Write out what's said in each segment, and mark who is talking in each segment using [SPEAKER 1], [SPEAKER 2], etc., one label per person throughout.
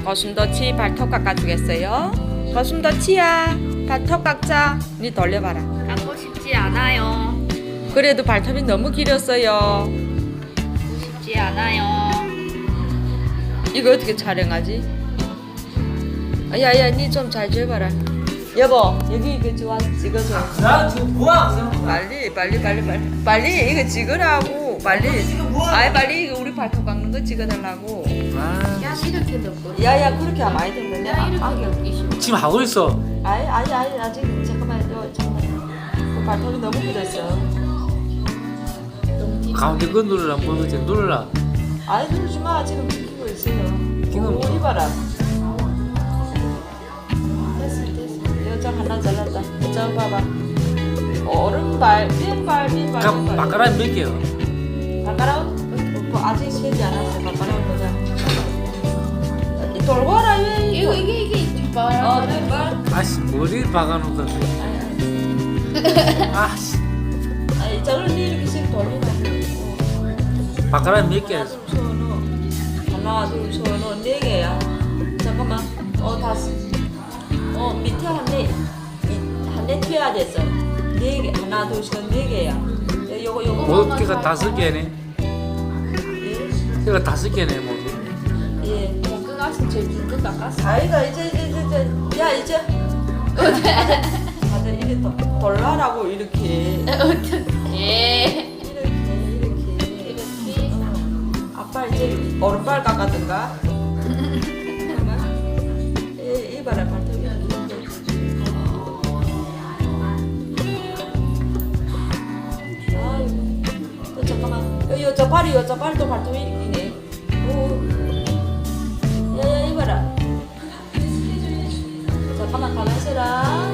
[SPEAKER 1] 거슴도치 발톱 깎아주겠어요? 거슴도치야, 발톱 깎자. 니 돌려봐라.
[SPEAKER 2] 깎고 싶지 않아요.
[SPEAKER 1] 그래도 발톱이 너무 길었어요.
[SPEAKER 2] 싶지 않아요.
[SPEAKER 1] 이거 어떻게 촬영하지? 야야, 니 좀 잘 줘봐라. 여보, 여기 이거 좀 찍어줘.
[SPEAKER 3] 나 지금 뭐야?
[SPEAKER 1] 빨리 이거 찍으라고. 빨리. 아이 빨리 이거 우리 발톱 깎는 거 찍어달라고.
[SPEAKER 2] 야 이렇게 넣고.
[SPEAKER 1] 야야, 그렇게 하면 많이 된다.
[SPEAKER 2] 야 이렇게 넣기 싫어.
[SPEAKER 3] 지금 하고 있어.
[SPEAKER 1] 아니 아직 잠깐만요. 그 발톱이 너무 굳었어.
[SPEAKER 3] 가운데 거 누르라. 뭐 그지? 누르라.
[SPEAKER 1] 아니 누르지 마. 지금 찍히고 있어요.
[SPEAKER 3] 지금
[SPEAKER 1] 오, 이봐라. 됐어. 여자 하나 잘랐다. 저 봐봐. 오른발, 왼발.
[SPEAKER 3] 바카라 몇 개요?
[SPEAKER 1] 바카라운? 뭐 아직 세지 않았어. 바카라운 보자. 돌고 와라. 왜
[SPEAKER 2] 이게 뒷발.
[SPEAKER 1] 왼발.
[SPEAKER 3] 아씨 머리를 박아놓고. 아씨
[SPEAKER 1] 아니 저런 이렇게 씩 돌리라고.
[SPEAKER 3] 바카라 몇 개?
[SPEAKER 1] 하나 둘 서너 네 개야. 잠깐만. 다섯. 밑에 한네 튀어야 됐어. 네 개. 하나 둘 셋 네 개야. 요거
[SPEAKER 3] 뭐 개가 5개네.
[SPEAKER 1] 예.
[SPEAKER 3] 개가 5개네 뭐.
[SPEAKER 1] 예.
[SPEAKER 2] 깎았어. 제일 긴거 깎았어.
[SPEAKER 1] 아이가 이제 야 이제 맞아 이래 돌라라고 이렇게
[SPEAKER 2] 어떡해.
[SPEAKER 1] 이렇게 아빠 이제 오른발 깎았던가. 잠깐만. 이봐라 발톱이. 아이고 또 잠깐만. 저 발도 발톱이 이렇게. 야야 이봐라. 잠깐만 가만 있어라.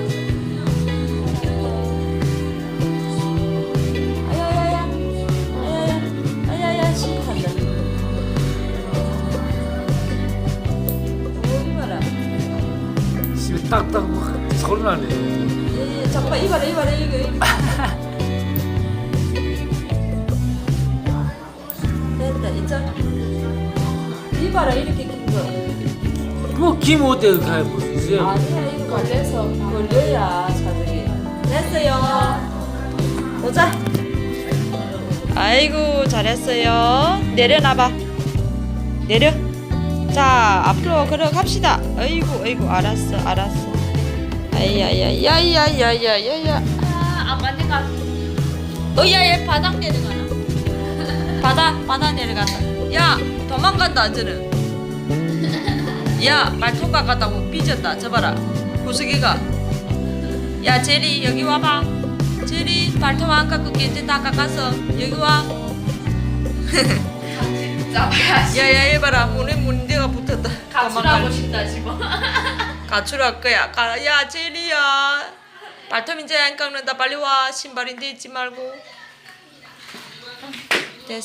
[SPEAKER 1] 아야야야 심각한다. 오 이봐라.
[SPEAKER 3] 집에 딱딱 소리 나네.
[SPEAKER 1] 예, 잠깐만 이봐라 이거. 됐다 있잖아. 이봐라 이렇게 긴 거.
[SPEAKER 3] 뭐김 어때 그게 무슨 있어요?
[SPEAKER 1] 아니야 이거
[SPEAKER 2] 걸려서.
[SPEAKER 1] 걸려야 사들이. 됐어요. 보자. 아이고 잘했어요. 내려놔봐. 내려. 자 앞으로 걸어갑시다. 아이고 알았어. 아야야야야야야야야.
[SPEAKER 2] 안 맞는 거 같아.
[SPEAKER 1] 야야 바닥 내려가나. 바닥 내려간다. 야 도망간다 저는. 야 발톱 깎았다고 삐졌다. 저봐라 구석이가. 야 제리 여기 와봐. 제리 발톱 안 깎을게. 이제 다 깎았어. 여기 와.
[SPEAKER 2] 잡아야지.
[SPEAKER 1] 야야 해봐라. 문제가 붙었다.
[SPEAKER 2] 가출하고 싶다 지금.
[SPEAKER 1] 가출할 거야. 야 제리야 발톱 이제 안 깎는다. 빨리 와. 신발인데 있지 말고.